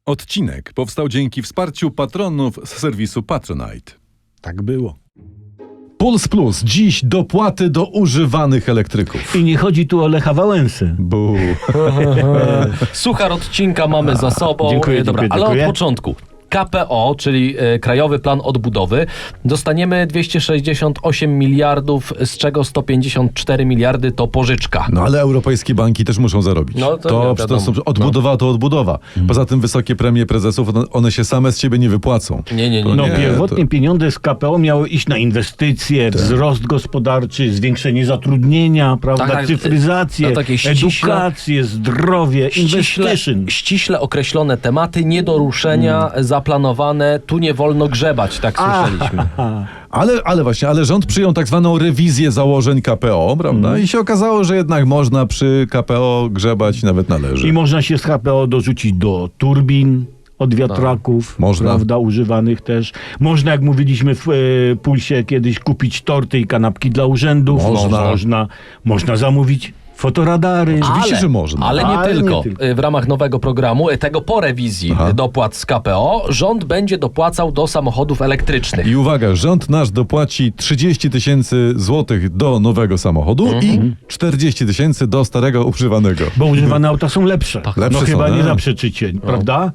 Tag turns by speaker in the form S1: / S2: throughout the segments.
S1: Odcinek powstał dzięki wsparciu patronów z serwisu Patronite.
S2: Tak było.
S1: Puls Plus. Dziś dopłaty do używanych elektryków.
S2: I nie chodzi tu o Lecha Wałęsę.
S1: Bu.
S3: Suchar odcinka mamy za sobą.
S2: Dziękuję,
S3: Dobra,
S2: dziękuję,
S3: ale
S2: dziękuję.
S3: od początku. KPO, czyli Krajowy Plan Odbudowy, dostaniemy 268 miliardów, z czego 154 miliardy to pożyczka.
S1: No ale europejskie banki też muszą zarobić.
S3: No, to wiadomo.
S1: Odbudowa to odbudowa. Poza tym wysokie premie prezesów, one się same z siebie nie wypłacą.
S3: Nie.
S2: No
S1: Nie,
S2: pierwotnie pieniądze z KPO miały iść na inwestycje, wzrost gospodarczy, zwiększenie zatrudnienia, prawda,
S3: Tak,
S2: cyfryzację,
S3: no takie
S2: edukację, zdrowie, inwestytion.
S3: Ściśle określone tematy, nie do ruszenia, zaplanowane, tu nie wolno grzebać, tak słyszeliśmy.
S1: Ale rząd przyjął tak zwaną rewizję założeń KPO, prawda? I się okazało, że jednak można przy KPO grzebać, nawet należy.
S2: I można się z KPO dorzucić do turbin, od wiatraków,
S1: Można.
S2: prawda, używanych też. Można, jak mówiliśmy w Pulsie kiedyś, kupić torty i kanapki dla urzędów. Można zamówić fotoradary.
S1: Oczywiście, że można.
S3: Ale nie
S2: Ale nie
S3: tylko.
S2: tylko.
S3: W ramach nowego programu, tego po rewizji dopłat z KPO, rząd będzie dopłacał do samochodów elektrycznych.
S1: I uwaga, rząd nasz dopłaci 30 tysięcy złotych do nowego samochodu i 40 tysięcy do starego używanego.
S2: Bo używane auta są lepsze.
S1: Lepsze
S2: No
S1: są,
S2: chyba nie
S1: tak.
S2: zaprzeczycie, prawda?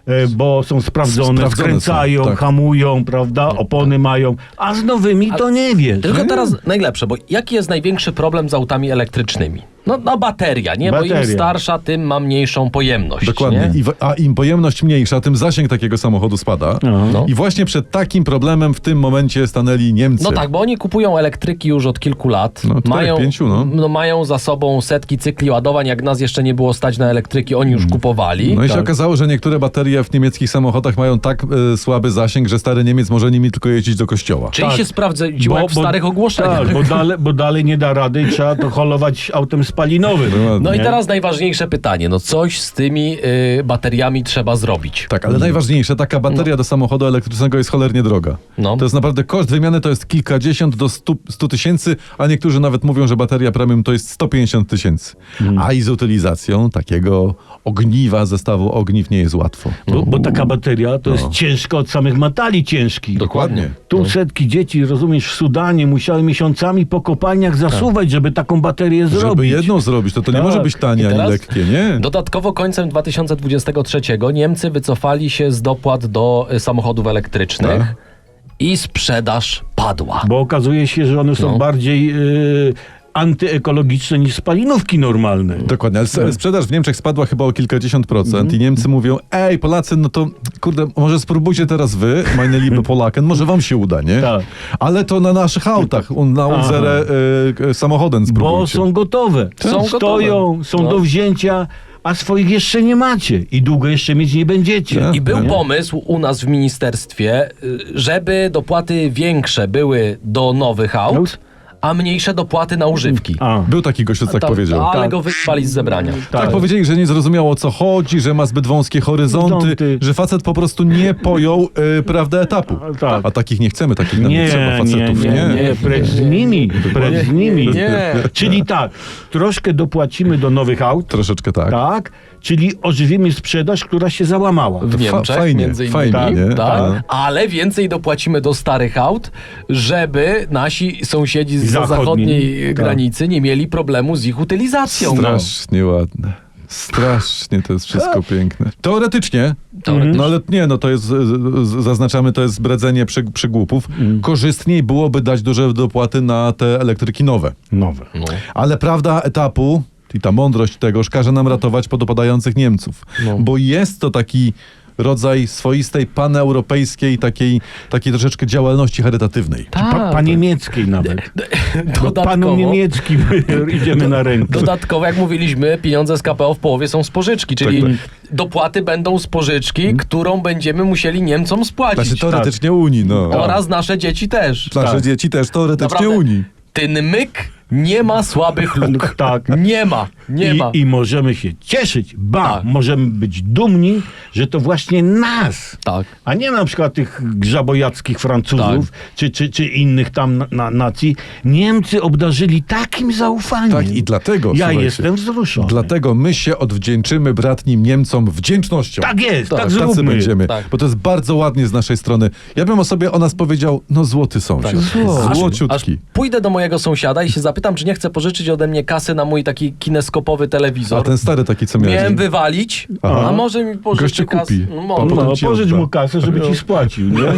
S2: Bo są sprawdzone,
S1: Sprawdzone
S2: skręcają,
S1: są, tak.
S2: hamują, prawda? Opony mają. A z nowymi to nie wiesz.
S3: Tylko teraz najlepsze, bo jaki jest największy problem z autami elektrycznymi? No bateria, nie? Bo
S2: Bateria.
S3: im starsza, tym ma mniejszą pojemność.
S1: Dokładnie.
S3: Nie?
S1: A im pojemność mniejsza, tym zasięg takiego samochodu spada.
S3: No.
S1: I właśnie przed takim problemem w tym momencie stanęli Niemcy.
S3: No tak, bo oni kupują elektryki już od kilku lat.
S1: No, 4-5, no.
S3: Mają za sobą setki cykli ładowań. Jak nas jeszcze nie było stać na elektryki, oni już kupowali.
S1: No i się okazało, że niektóre baterie w niemieckich samochodach mają tak słaby zasięg, że stary Niemiec może nimi tylko jeździć do kościoła.
S3: Czyli
S2: Tak.
S3: się sprawdziło jak w starych ogłoszeniach.
S2: Tak, bo dalej nie da rady i trzeba to holować autem spalinowym.
S3: No i
S2: Nie?
S3: teraz najważniejsze pytanie. No coś z tymi bateriami trzeba zrobić.
S1: Tak, ale najważniejsze, taka bateria do samochodu elektrycznego jest cholernie droga.
S3: No.
S1: To jest naprawdę koszt wymiany to jest kilkadziesiąt do 100 tysięcy, a niektórzy nawet mówią, że bateria premium to jest 150 tysięcy. A i z utylizacją takiego ogniwa, zestawu ogniw nie jest łatwo.
S2: Bo taka bateria to jest ciężka od samych metali ciężkich.
S1: Dokładnie.
S2: Tu setki dzieci, rozumiesz, w Sudanie musiały miesiącami po kopalniach zasuwać, żeby taką baterię
S1: Żeby
S2: zrobić.
S1: jedną zrobić, to nie
S2: Tak.
S1: może być tanie
S3: I
S1: ani
S3: teraz
S1: lekkie, nie?
S3: Dodatkowo końcem 2023 Niemcy wycofali się z dopłat do samochodów elektrycznych
S1: Tak.
S3: i sprzedaż padła.
S2: Bo okazuje się, że one są bardziej antyekologiczne niż spalinówki normalne.
S1: Dokładnie, ale sprzedaż w Niemczech spadła chyba o kilkadziesiąt procent i Niemcy mówią, ej Polacy, no to kurde, może spróbujcie teraz wy, meine liebe Polaken, może wam się uda, nie?
S2: Tak.
S1: Ale to na naszych autach, na unsere samochodem
S2: Bo
S1: spróbujcie.
S2: są gotowe.
S3: Są
S2: Stoją,
S3: gotowe.
S2: są
S3: No.
S2: do wzięcia, a swoich jeszcze nie macie. I długo jeszcze mieć nie będziecie.
S1: Tak.
S3: I był pomysł u nas w ministerstwie, żeby dopłaty większe były do nowych aut, a mniejsze dopłaty na używki.
S1: Był taki gość, co tak powiedział.
S3: Ale
S2: Tak.
S3: go wyspali z zebrania.
S1: Tak powiedzieli, że nie zrozumiało o co chodzi, że ma zbyt wąskie horyzonty, że facet po prostu nie pojął prawda etapu.
S2: Tak.
S1: A takich nie chcemy, takich nam nie trzeba facetów,
S2: nie, precz z nimi, precz z nimi.
S3: Nie.
S2: Czyli tak, troszkę dopłacimy do nowych aut,
S1: Troszeczkę tak.
S2: tak, czyli ożywimy sprzedaż, która się załamała.
S3: W Niemczech
S1: fajnie,
S3: między innymi.
S1: fajnie, nie?
S3: Tak, ale więcej dopłacimy do starych aut, żeby nasi sąsiedzi z zachodniej granicy nie mieli problemu z ich utylizacją.
S1: Strasznie ładne. Strasznie to jest wszystko piękne. Teoretycznie, no ale nie, no to jest, zaznaczamy, to jest zbredzenie przygłupów. Korzystniej byłoby dać duże dopłaty na te elektryki nowe.
S2: Nowe.
S1: Ale prawda etapu i ta mądrość tegoż każe nam ratować podopadających Niemców. Bo jest to taki rodzaj swoistej paneuropejskiej takiej troszeczkę działalności charytatywnej.
S2: Paniemieckiej nawet. Do panu
S3: Dodatkowo,
S2: niemieckim idziemy na rękę.
S3: dodatkowo, jak mówiliśmy, pieniądze z KPO w połowie są z pożyczki, czyli dopłaty będą z pożyczki, którą będziemy musieli Niemcom spłacić.
S1: Znaczy teoretycznie Unii, no.
S3: Oraz nasze dzieci też.
S1: Nasze dzieci też teoretycznie
S3: Naprawdę,
S1: Unii.
S3: ten myk Nie ma słabych luk.
S2: Tak.
S3: Nie ma.
S2: I możemy się cieszyć,
S3: Tak.
S2: możemy być dumni, że to właśnie nas,
S3: Tak.
S2: a nie na przykład tych grzabojackich Francuzów, czy innych tam nacji, Niemcy obdarzyli takim zaufaniem.
S1: Tak, i dlatego,
S2: Ja
S1: słuchajcie,
S2: jestem wzruszony.
S1: Dlatego my się odwdzięczymy bratnim Niemcom wdzięcznością.
S2: Tak jest, tak
S1: Tacy
S2: zróbmy.
S1: będziemy,
S3: Tak.
S1: bo to jest bardzo ładnie z naszej strony. Ja bym o nas powiedział, no złoty sąsiad,
S3: Aż
S1: złociutki.
S3: pójdę do mojego sąsiada i się zapytam, czy nie chce pożyczyć ode mnie kasy na mój taki kineskopowy telewizor.
S1: A ten stary taki, co miałeś.
S3: Miałem wywalić,
S1: Aha.
S3: a może mi pożyczy
S1: Gościu
S3: kasę.
S1: kupi.
S3: No,
S1: Pan
S3: może.
S1: potem
S2: No,
S1: ci
S2: pożycz
S1: odda.
S2: mu kasę, żeby ci spłacił, nie?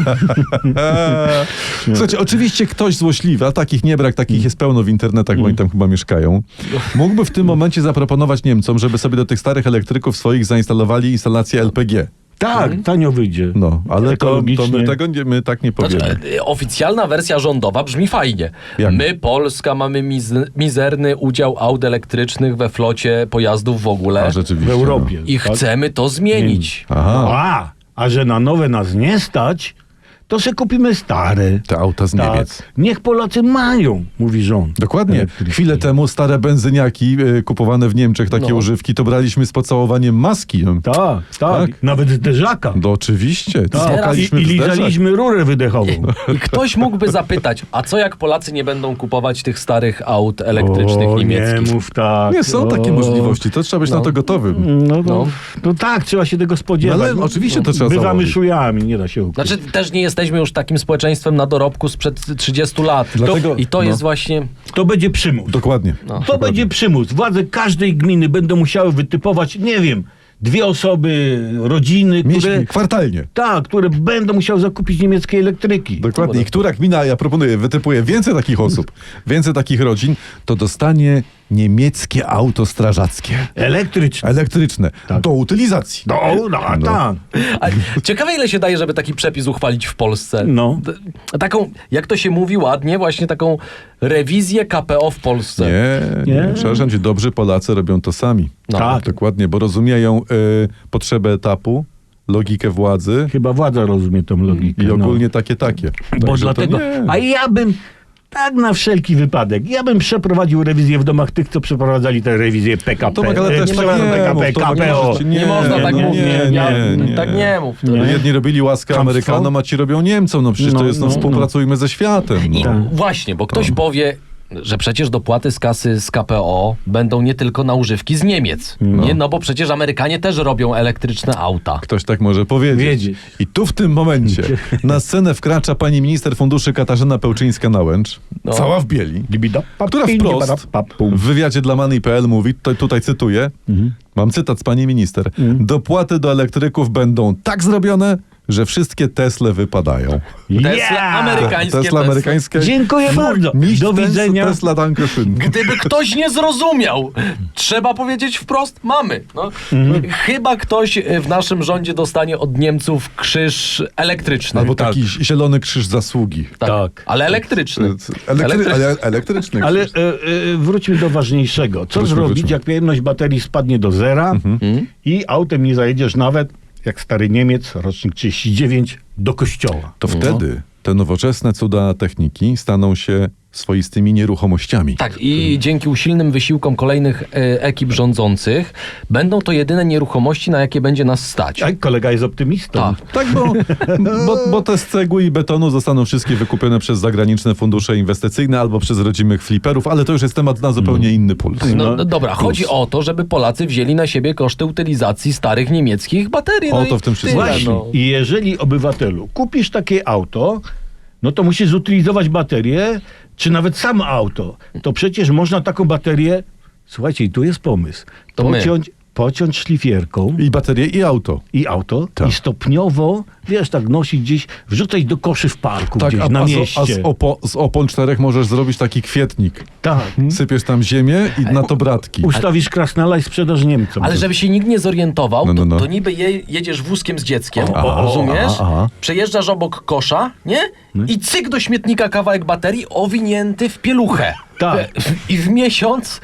S1: Słuchajcie, oczywiście ktoś złośliwy, a takich nie brak, takich jest pełno w internetach, bo oni tam chyba mieszkają, mógłby w tym momencie zaproponować Niemcom, żeby sobie do tych starych elektryków swoich zainstalowali instalację LPG.
S2: Tak, tanio wyjdzie.
S1: No, ale to
S2: Ekologicznie.
S1: my tak nie powiemy.
S3: Znaczy, oficjalna wersja rządowa brzmi fajnie.
S1: Jak?
S3: My, Polska, mamy mizerny udział aut elektrycznych we flocie pojazdów w ogóle
S1: A rzeczywiście.
S2: W Europie.
S3: i
S2: tak?
S3: chcemy to zmienić.
S1: No. Aha,
S2: A że na nowe nas nie stać, to se kupimy stare.
S1: te auta z Niemiec.
S2: Niech Polacy mają, mówi rząd.
S1: Dokładnie.
S2: Elektryki.
S1: Chwilę temu stare benzyniaki kupowane w Niemczech, takie
S3: No.
S1: używki, to braliśmy z pocałowaniem maski. No.
S2: Tak.
S1: Tak.
S2: Nawet zderzaka.
S1: No oczywiście.
S2: Tak.
S1: Smokaliśmy
S2: I
S1: w zderzak.
S2: lizaliśmy rurę wydechową.
S3: I ktoś mógłby zapytać, a co jak Polacy nie będą kupować tych starych aut elektrycznych niemieckich?
S2: Nie mów tak.
S1: Nie, są takie
S2: O.
S1: możliwości, to trzeba być na to gotowym.
S2: No tak, trzeba się tego spodziewać.
S1: No ale oczywiście to trzeba
S2: Bywamy
S1: założyć.
S2: szujami, nie da się ukryć.
S3: Znaczy też nie jesteśmy już takim społeczeństwem na dorobku sprzed 30 lat.
S1: Dlatego-
S3: I to
S1: no.
S3: jest właśnie...
S2: To będzie przymus.
S1: Dokładnie.
S2: To będzie przymus. Władze każdej gminy będą musiały wytypować, nie wiem, 2 osoby, rodziny, które...
S1: Kwartalnie.
S2: Tak, które będą musiały zakupić niemieckie elektryki.
S1: Dokładnie. I która gmina, ja proponuję, wytypuje więcej takich osób, więcej takich rodzin, to dostanie niemieckie auto strażackie.
S2: Elektryczne.
S1: Elektryczne. Do utylizacji.
S2: Tak.
S3: A ciekawe ile się daje, żeby taki przepis uchwalić w Polsce.
S2: No.
S3: Taką, jak to się mówi ładnie, właśnie taką rewizję KPO w Polsce.
S1: Nie.
S2: Nie.
S1: Przepraszam cię, dobrzy Polacy robią to sami.
S3: No.
S2: Tak.
S1: Dokładnie, bo rozumieją potrzebę etapu, logikę władzy
S2: Chyba władza rozumie tą logikę.
S1: i ogólnie takie.
S2: Bo
S1: Także
S2: dlatego...
S1: To nie.
S2: A ja bym... Tak na wszelki wypadek. Ja bym przeprowadził rewizję w domach tych, co przeprowadzali tę rewizję PKP.
S1: Tomek, ale też
S2: przepraszam,
S1: tak nie
S2: PKP,
S1: mów, Tomek,
S2: KPO.
S1: proszę cię,
S3: Nie można tak
S1: nie,
S3: mówić.
S1: nie.
S3: Tak nie mów.
S1: Jedni robili łaskę
S2: Chamstwo?
S1: Amerykanom, a ci robią Niemcom. No przecież to jest, współpracujmy ze światem.
S3: I
S1: No.
S3: właśnie, bo ktoś powie, że przecież dopłaty z kasy z KPO będą nie tylko na używki z Niemiec. Nie, no bo przecież Amerykanie też robią elektryczne auta.
S1: Ktoś tak może powiedzieć. I tu w tym momencie na scenę wkracza pani minister funduszy Katarzyna Pełczyńska-Nałęcz,
S3: No.
S1: cała w bieli, która wprost w wywiadzie dla Money.pl mówi, tutaj cytuję, mam cytat z pani minister, dopłaty do elektryków będą tak zrobione, że wszystkie Tesle wypadają.
S3: Tesla amerykańskie.
S1: Tesla amerykańskie.
S2: Dziękuję bardzo. Do widzenia.
S1: Tesla Dankeschön.
S3: Gdyby ktoś nie zrozumiał, trzeba powiedzieć wprost, mamy. No. Chyba ktoś w naszym rządzie dostanie od Niemców krzyż elektryczny.
S1: Albo taki zielony krzyż zasługi.
S2: Tak.
S3: Ale elektryczny.
S1: Elektryczny
S2: Ale
S1: krzyż.
S2: wróćmy do ważniejszego. Co
S1: Wróćmy.
S2: zrobić, jak pojemność baterii spadnie do zera i autem nie zajedziesz nawet, jak stary Niemiec, rocznik 39, do kościoła?
S1: To wtedy te nowoczesne cuda techniki staną się swoistymi nieruchomościami.
S3: Tak, i dzięki usilnym wysiłkom kolejnych ekip rządzących będą to jedyne nieruchomości, na jakie będzie nas stać.
S2: A kolega jest optymistą.
S3: Tak.
S1: Tak, bo te z cegły i betonu zostaną wszystkie wykupione przez zagraniczne fundusze inwestycyjne albo przez rodzimych fliperów, ale to już jest temat na zupełnie inny puls.
S3: No dobra, chodzi o to, żeby Polacy wzięli na siebie koszty utylizacji starych niemieckich baterii.
S1: O,
S3: i
S1: to w tym wszystkim.
S3: tyle,
S2: Właśnie.
S3: no.
S2: I jeżeli, obywatelu, kupisz takie auto, no to musisz zutylizować baterię, czy nawet samo auto. To przecież można taką baterię, słuchajcie, i tu jest pomysł,
S3: To my.
S2: pociąć szlifierką
S1: I baterie, i auto.
S2: i auto
S1: Tak.
S2: i stopniowo, wiesz, tak nosić gdzieś, wrzucać do koszy w parku
S1: Tak,
S2: gdzieś na mieście.
S1: z opon 4 możesz zrobić taki kwietnik.
S2: Tak.
S1: Sypiesz tam ziemię i na to bratki.
S2: Ustawisz krasnala i sprzedaż Niemcom.
S3: Ale żeby się nikt nie zorientował,
S1: No.
S3: to niby jedziesz wózkiem z dzieckiem,
S2: O,
S3: rozumiesz?
S2: aha.
S3: Przejeżdżasz obok kosza, nie? I cyk do śmietnika kawałek baterii owinięty w pieluchę.
S2: Tak.
S3: I w miesiąc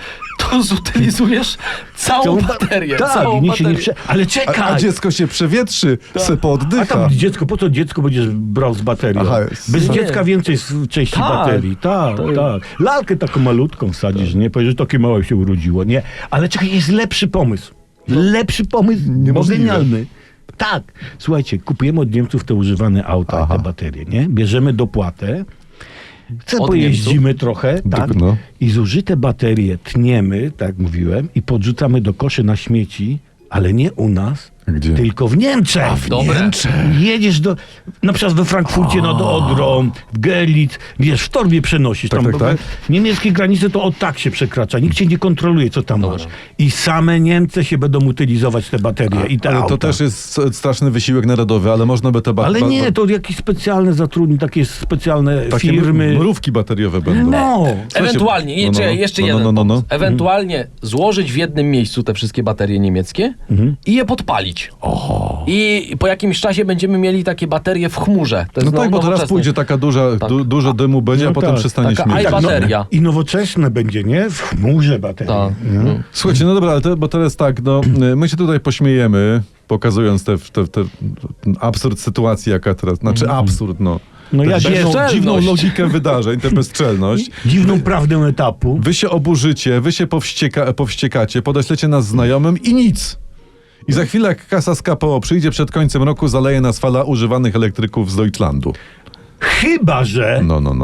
S3: to zutylizujesz całą baterię.
S2: Tak,
S3: całą
S2: i nikt się nie
S3: baterię.
S2: Ale czekaj!
S1: A dziecko się przewietrzy, se
S2: A
S1: pooddycha.
S2: tam dziecko, po co dziecko będziesz brał z baterią?
S1: Aha,
S2: Bez
S3: nie.
S2: dziecka więcej części
S3: Tak.
S2: baterii. Tak, tak. Lalkę taką malutką wsadzisz, nie? Powiesz, że takie małe się urodziło. Nie, ale czekaj, jest lepszy pomysł. Lepszy pomysł, bo
S1: Niemożliwe.
S2: genialny. Tak. Słuchajcie, kupujemy od Niemców te używane auta,
S1: Aha.
S2: te baterie, nie? Bierzemy dopłatę,
S3: Od
S2: pojeździmy trochę, tak?
S1: No.
S2: I zużyte baterie tniemy, tak jak mówiłem, i podrzucamy do koszy na śmieci, ale nie u nas,
S1: Gdzie?
S2: tylko w Niemczech.
S3: Dobre.
S2: Jedziesz na przykład we Frankfurcie nad Odrą, w Görlitz, wiesz, w torbie przenosisz.
S1: Tak,
S2: tam,
S1: tak,
S2: bo
S1: tak.
S2: Niemieckie granice to od tak się przekracza. Nikt cię nie kontroluje, co tam masz. I same Niemcy się będą utylizować te baterie i te
S1: Ale
S2: auta.
S1: to też jest straszny wysiłek narodowy, ale można by te
S2: Ale nie, to jakieś specjalne zatrudnienie, takie specjalne
S1: takie
S2: firmy.
S1: mrówki bateriowe będą.
S2: No.
S3: Ewentualnie,
S1: No, no,
S3: czekaj, jeszcze
S1: no,
S3: jeden
S1: no, no, no.
S3: pomysł. Ewentualnie złożyć w jednym miejscu te wszystkie baterie niemieckie i je podpalić. I po jakimś czasie będziemy mieli takie baterie w chmurze. To
S1: No
S3: jest
S1: tak, bo teraz
S3: nowoczesne.
S1: pójdzie taka dużo dymu będzie,
S2: No
S1: a potem
S2: tak,
S1: przestanie
S3: taka
S1: śmierdzieć.
S3: bateria.
S2: I nowoczesne będzie, nie? W chmurze baterii.
S3: Tak.
S2: Nie?
S1: Słuchajcie, no dobra, ale bo teraz tak, no, my się tutaj pośmiejemy, pokazując ten absurd sytuacji, jaka teraz, znaczy absurd, no.
S2: No
S1: Tę
S2: ja
S3: bezczelność.
S1: dziwną logikę wydarzeń, tę bezczelność.
S2: dziwną prawdę etapu.
S1: Wy się oburzycie, wy się powściekacie, podeślecie nas znajomym i nic. I za chwilę, jak kasa z KPO przyjdzie przed końcem roku, zaleje nas fala używanych elektryków z Deutschlandu.
S2: Chyba, że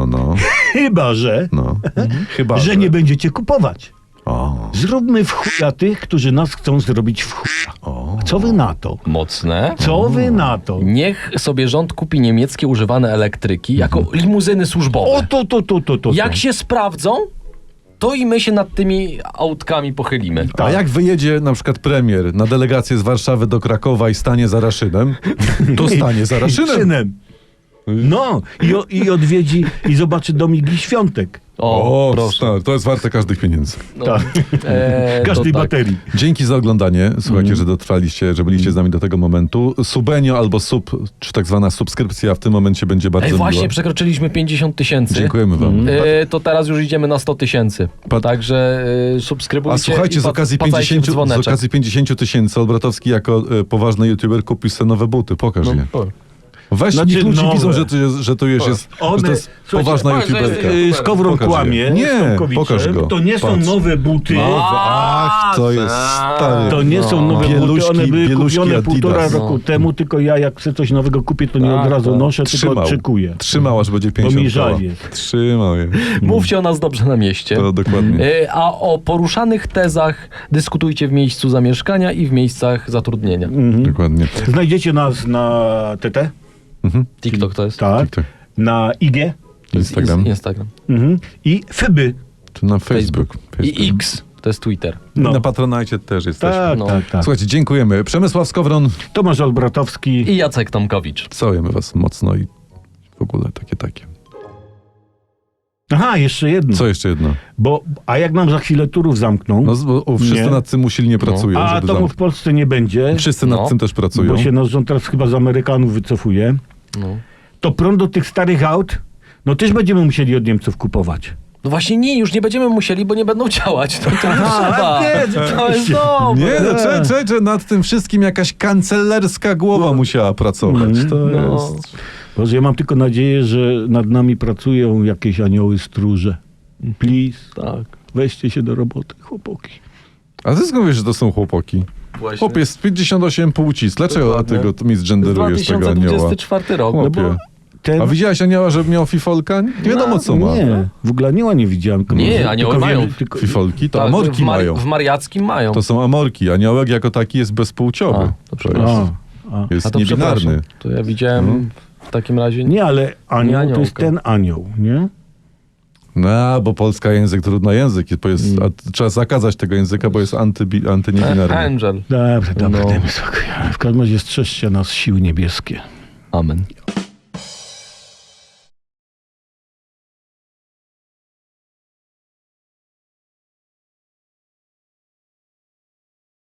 S1: Chyba,
S2: że nie będziecie kupować.
S1: O,
S2: Zróbmy w chuja tych, którzy nas chcą zrobić w chuja. Co wy na to?
S3: Mocne.
S2: Co wy na to?
S3: Niech sobie rząd kupi niemieckie używane elektryki jako limuzyny służbowe.
S2: O, to.
S3: Jak się sprawdzą, to i my się nad tymi autkami pochylimy.
S1: a jak wyjedzie na przykład premier na delegację z Warszawy do Krakowa i stanie za Raszynem, to stanie za Raszynem.
S2: Synem. No, i odwiedzi i zobaczy domiki świątek.
S3: O, proszę.
S1: stary, to jest warte każdych pieniędzy.
S3: No.
S2: Tak. Każdej
S3: to tak.
S2: baterii.
S1: Dzięki za oglądanie. Słuchajcie, że dotrwaliście, że byliście z nami do tego momentu. Subenio albo czy tak zwana subskrypcja w tym momencie będzie bardzo
S3: Ej, właśnie
S1: miła.
S3: przekroczyliśmy 50 000.
S1: Dziękujemy wam.
S3: To teraz już idziemy na 100 000. Także subskrybujcie.
S1: A słuchajcie,
S3: i
S1: z okazji
S3: wpłacajcie w
S1: 50
S3: dzwoneczek.
S1: 000 Olbratowski jako poważny youtuber kupił sobie nowe buty. Pokaż je. Weź,
S2: Znaczy
S1: niech ludzie
S2: nowe.
S1: widzą, że to już jest, że to jest
S2: Słuchajcie,
S1: poważna
S3: patrz, że
S1: youtuberka.
S3: jest-
S2: Skowron
S1: Pokaż je.
S2: kłamie
S1: Nie,
S2: z Tomkowiczem.
S1: pokaż go.
S2: To nie są
S1: Patrz.
S2: nowe buty.
S1: Ach, to jest stary.
S2: To nie są nowe buty,
S1: Bieluśki-
S2: one były
S1: bieluśki
S2: kupione
S1: Adidas.
S2: 1,5 roku temu, tylko ja jak chcę coś nowego kupić, to nie
S3: Tak,
S2: od razu
S3: tak.
S2: noszę, tylko oczekuję.
S1: Trzymał, aż będzie 50
S2: mi żal
S1: koła.
S2: jest.
S1: Trzymał je.
S3: Mówcie o nas dobrze na mieście.
S1: To dokładnie.
S3: A o poruszanych tezach dyskutujcie w miejscu zamieszkania i w miejscach zatrudnienia.
S1: Dokładnie.
S2: Znajdziecie nas na TT,
S3: TikTok to jest.
S2: tak,
S1: TikTok.
S2: na IG
S1: Instagram.
S3: Instagram.
S2: I Fyby.
S1: Czy na Facebook.
S3: I X to jest Twitter.
S2: No.
S1: Na Patronite też jesteśmy.
S2: Tak,
S3: No.
S2: tak.
S1: Słuchajcie, dziękujemy. Przemysław Skowron,
S2: Tomasz Olbratowski.
S3: I Jacek Tomkowicz.
S1: całujemy was mocno i w ogóle takie.
S2: Aha, jeszcze jedno.
S1: Co jeszcze jedno?
S2: A jak nam za chwilę turów zamkną,
S1: No, bo wszyscy
S2: Nie.
S1: nad tym usilnie pracują,
S2: a
S1: żeby
S2: to w Polsce nie będzie,
S1: Wszyscy
S3: No.
S1: nad tym też pracują.
S2: bo się nasz rząd teraz chyba z Amerykanów wycofuje,
S3: No.
S2: to prąd do tych starych aut, no też będziemy musieli od Niemców kupować.
S3: No właśnie nie, już nie będziemy musieli, bo nie będą działać. To nie trzeba.
S2: nie,
S3: To jest
S2: oczywiście.
S3: dobre.
S1: Nie, no, czekaj, nad tym wszystkim jakaś kancelerska głowa musiała pracować. To
S3: No.
S1: jest...
S2: Boże, ja mam tylko nadzieję, że nad nami pracują jakieś anioły stróże. Please,
S3: Tak.
S2: weźcie się do roboty, chłopaki.
S1: A ty skąd wiesz, że to są chłopaki?
S3: Właśnie.
S1: Chłop jest 58 płci. Dlaczego
S3: Dokładnie.
S1: ty go misgenderujesz tego anioła?
S3: 2024 rok.
S1: Chłopie.
S2: No bo ten...
S1: A widziałeś anioła, że miał fifolka? Nie wiadomo co ma.
S2: Nie, w ogóle anioła nie widziałem. tylko
S3: Nie,
S2: może-
S3: anioły
S2: tylko
S3: mają.
S2: wiem, tylko-
S1: Fifolki to
S3: Tak,
S1: amorki mają.
S3: W mariackim mają.
S1: To są amorki. Aniołek jako taki jest bezpłciowy.
S3: A, to
S1: To
S3: przepraszam.
S2: A.
S1: jest
S3: A to
S1: niebinarny.
S3: przepraszam. To ja widziałem w takim razie...
S2: Nie, ale anioł
S3: Nie
S2: to
S3: aniołka.
S2: jest ten anioł, nie?
S1: No, bo polska język trudny język. A trzeba zakazać tego języka, bo jest antyniebinarny.
S3: Angel.
S2: Dobra,
S3: No.
S2: dajmy spokój. W każdym razie strzeżcie nas siły niebieskie.
S3: Amen.